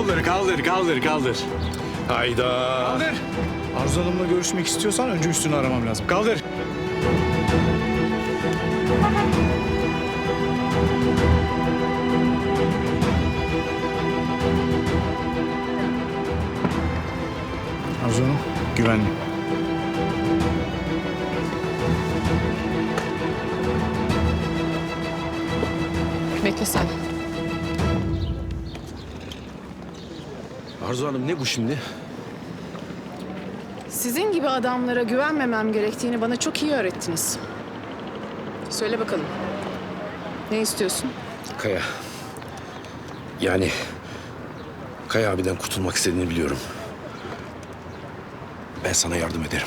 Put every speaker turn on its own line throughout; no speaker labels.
kolları, kaldır. Hayda.
Kaldır. Arzu Hanım'la görüşmek istiyorsan önce üstünü aramam lazım. Kaldır. Arzu Hanım, güvenli.
Bekle sen.
Arzu Hanım ne bu şimdi?
Sizin gibi adamlara güvenmemem gerektiğini bana çok iyi öğrettiniz. Söyle bakalım. Ne istiyorsun?
Kaya. Yani Kaya abiden kurtulmak istediğini biliyorum. Ben sana yardım ederim.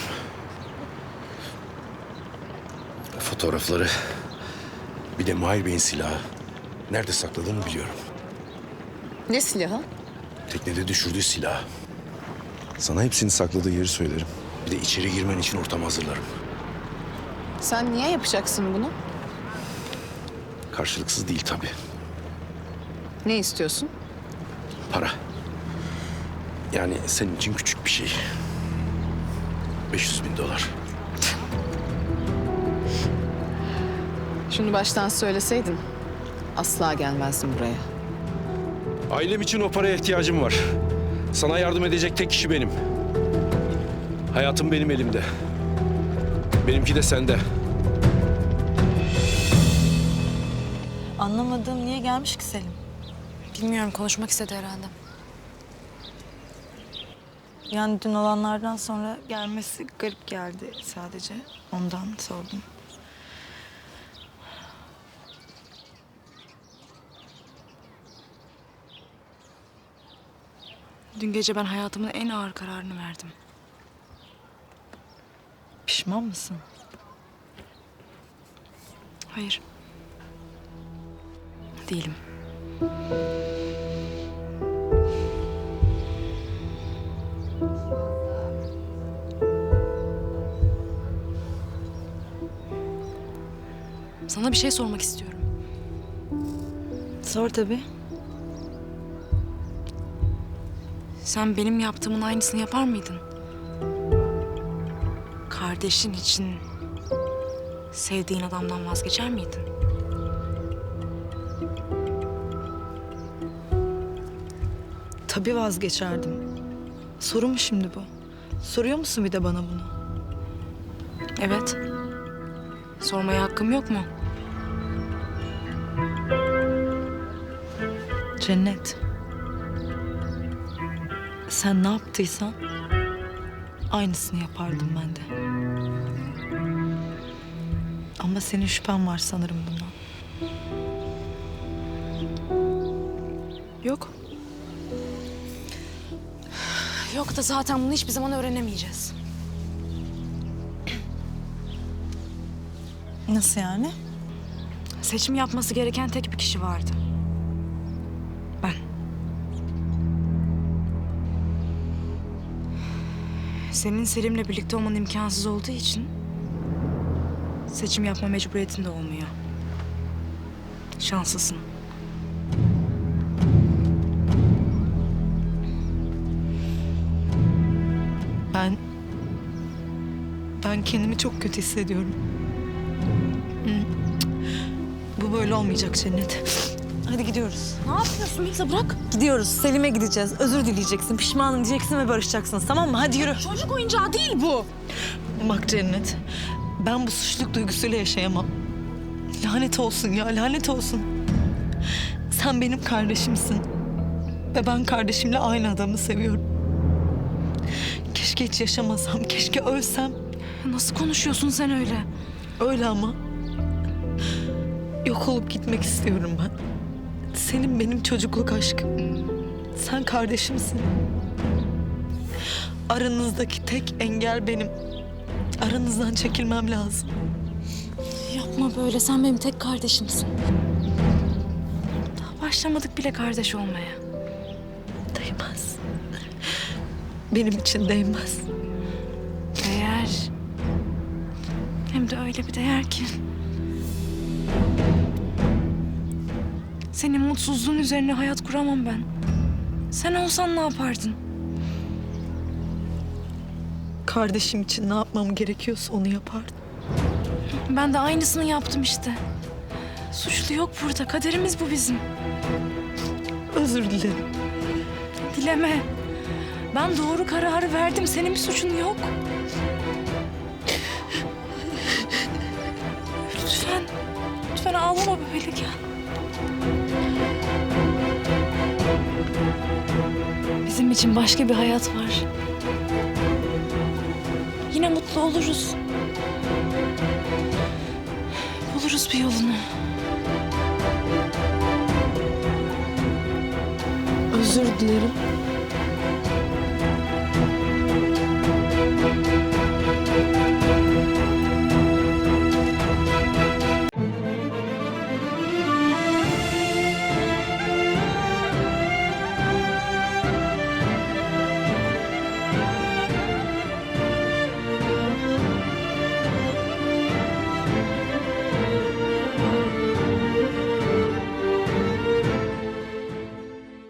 Fotoğrafları, bir de Mahir Bey'in silahı nerede sakladığını biliyorum.
Ne silahı?
Teknede düşürdüğü silah. Sana hepsini sakladığı yeri söylerim. Bir de içeri girmen için ortam hazırlarım.
Sen niye yapacaksın bunu?
Karşılıksız değil tabii.
Ne istiyorsun?
Para. Yani senin için küçük bir şey. 500.000 dolar.
Şunu baştan söyleseydin asla gelmezdim buraya.
Ailem için o paraya ihtiyacım var. Sana yardım edecek tek kişi benim. Hayatım benim elimde. Benimki de sende.
Anlamadığım niye gelmiş ki Selim?
Bilmiyorum, konuşmak istedi herhalde.
Yani dün olanlardan sonra gelmesi garip geldi sadece. Ondan sordum.
Dün gece ben hayatımın en ağır kararını verdim.
Pişman mısın?
Hayır. Değilim. Sana bir şey sormak istiyorum.
Sor tabii.
Sen benim yaptığımın aynısını yapar mıydın? Kardeşin için sevdiğin adamdan vazgeçer miydin?
Tabii vazgeçerdim. Soru mu şimdi bu? Soruyor musun bir de bana bunu?
Evet. Sormaya hakkım yok mu?
Cennet. Sen ne yaptıysan aynısını yapardım ben de. Ama senin şüphen var sanırım bundan.
Yok. Yok da zaten bunu hiçbir zaman öğrenemeyeceğiz.
Nasıl yani?
Seçim yapması gereken tek bir kişi vardı. Ben. Senin Selim'le birlikte olman imkansız olduğu için seçim yapma mecburiyetin de olmuyor. Şanslısın.
Ben kendimi çok kötü hissediyorum. Hı. Bu böyle olmayacak Cennet. Hadi gidiyoruz.
Ne yapıyorsun Melisa, bırak.
Gidiyoruz. Selim'e gideceğiz. Özür dileyeceksin. Pişmanım diyeceksin ve barışacaksınız. Tamam mı? Hadi yürü.
Çocuk oyuncağı değil bu.
Bak Cennet. Ben bu suçluluk duygusuyla yaşayamam. Lanet olsun ya. Lanet olsun. Sen benim kardeşimsin. Ve ben kardeşimle aynı adamı seviyorum. Keşke hiç yaşamasam. Keşke ölsem.
Nasıl konuşuyorsun sen öyle?
Öyle ama. Yok olup gitmek istiyorum ben. Senin benim çocukluk aşkım. Sen kardeşimsin. Aranızdaki tek engel benim. Aranızdan çekilmem lazım.
Yapma böyle, sen benim tek kardeşimsin. Daha başlamadık bile kardeş olmaya.
Değmez. Benim için değmez.
Değer. Hem de öyle bir değer ki. Senin mutsuzluğun üzerine hayat kuramam ben. Sen olsan ne yapardın?
Kardeşim için ne yapmam gerekiyorsa onu yapardım.
Ben de aynısını yaptım işte. Suçlu yok burada. Kaderimiz bu bizim.
Özür dilerim.
Dileme. Ben doğru kararı verdim. Senin bir suçun yok. Lütfen. Lütfen ağlama böyle gel. Bizim için başka bir hayat var. Yine mutlu oluruz. Buluruz bir yolunu.
Özür dilerim.